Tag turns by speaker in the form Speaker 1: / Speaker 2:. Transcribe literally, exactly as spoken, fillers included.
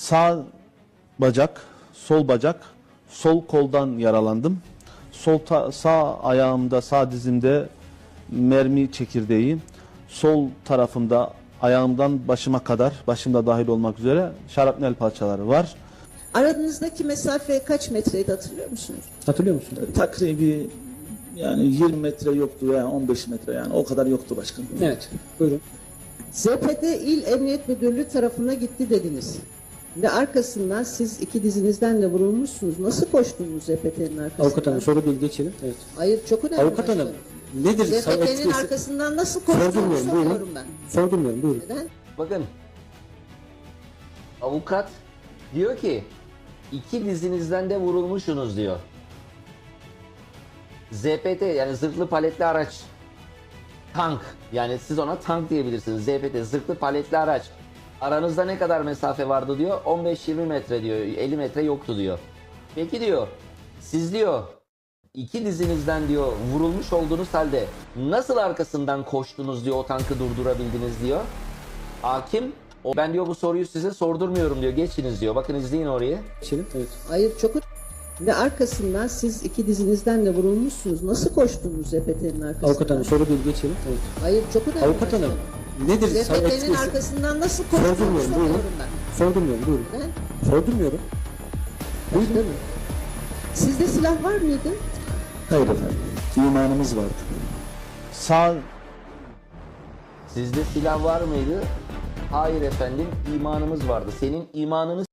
Speaker 1: Sağ bacak, sol bacak, sol koldan yaralandım. Sol ta- sağ ayağımda, sağ dizimde mermi çekirdeği, sol tarafımda ayağımdan başıma kadar, başımda dahil olmak üzere şarapnel parçaları var.
Speaker 2: Aranızdaki mesafe kaç metreydi hatırlıyor musunuz?
Speaker 3: Hatırlıyor musun?
Speaker 4: Takribi yani yirmi metre yoktu veya on beş metre, yani o kadar yoktu başkanım.
Speaker 3: Evet. Buyurun.
Speaker 2: Z P T İl Emniyet Müdürlüğü tarafına gitti dediniz. Ve arkasından siz iki dizinizden de vurulmuşsunuz. Nasıl koştunuz Z P T'nin arkasından?
Speaker 3: Avukat hanım soru bilgi geçelim. Evet.
Speaker 2: Hayır, çok önemli.
Speaker 3: Avukat hanım nedir?
Speaker 2: Z P T'nin
Speaker 3: etkisi?
Speaker 2: arkasından nasıl koştuğunu
Speaker 3: Sordurmuyorum, buyurun.
Speaker 2: soruyorum ben.
Speaker 3: Sordurmuyorum, buyurun.
Speaker 2: Neden?
Speaker 5: Bakın, avukat diyor ki iki dizinizden de vurulmuşsunuz diyor. Z P T yani zırhlı paletli araç, tank, yani siz ona tank diyebilirsiniz. Z P T zırhlı paletli araç. Aranızda ne kadar mesafe vardı diyor. on beş yirmi metre diyor. elli metre yoktu diyor. Peki diyor, siz diyor iki dizinizden diyor vurulmuş olduğunuz halde nasıl arkasından koştunuz diyor, o tankı durdurabildiniz diyor. Hakim, o, ben diyor bu soruyu size sordurmuyorum diyor, geçiniz diyor. Bakın izleyin orayı.
Speaker 3: Geçelim. Evet.
Speaker 2: Hayır, çok önemli. Ve arkasından siz iki dizinizden de vurulmuşsunuz. Nasıl koştunuz Z P T'nin arkasından?
Speaker 3: Avukat hanım soru bilgi geçelim. Evet.
Speaker 2: Hayır, çok önemli.
Speaker 3: Avukat hanım nedir?
Speaker 2: Z P T'nin
Speaker 3: etkisi?
Speaker 2: arkasından nasıl koştuğunu
Speaker 3: Sordurmuyorum, buyurun.
Speaker 2: soruyorum ben.
Speaker 3: Sordurmuyorum, buyurun.
Speaker 2: Neden?
Speaker 3: Sordurmuyorum.
Speaker 2: Başka mı? Sizde silah var mıydı?
Speaker 4: Hayır efendim, imanımız vardı.
Speaker 1: Sağ
Speaker 5: Sizde silah var mıydı? Hayır efendim, imanımız vardı. Senin imanını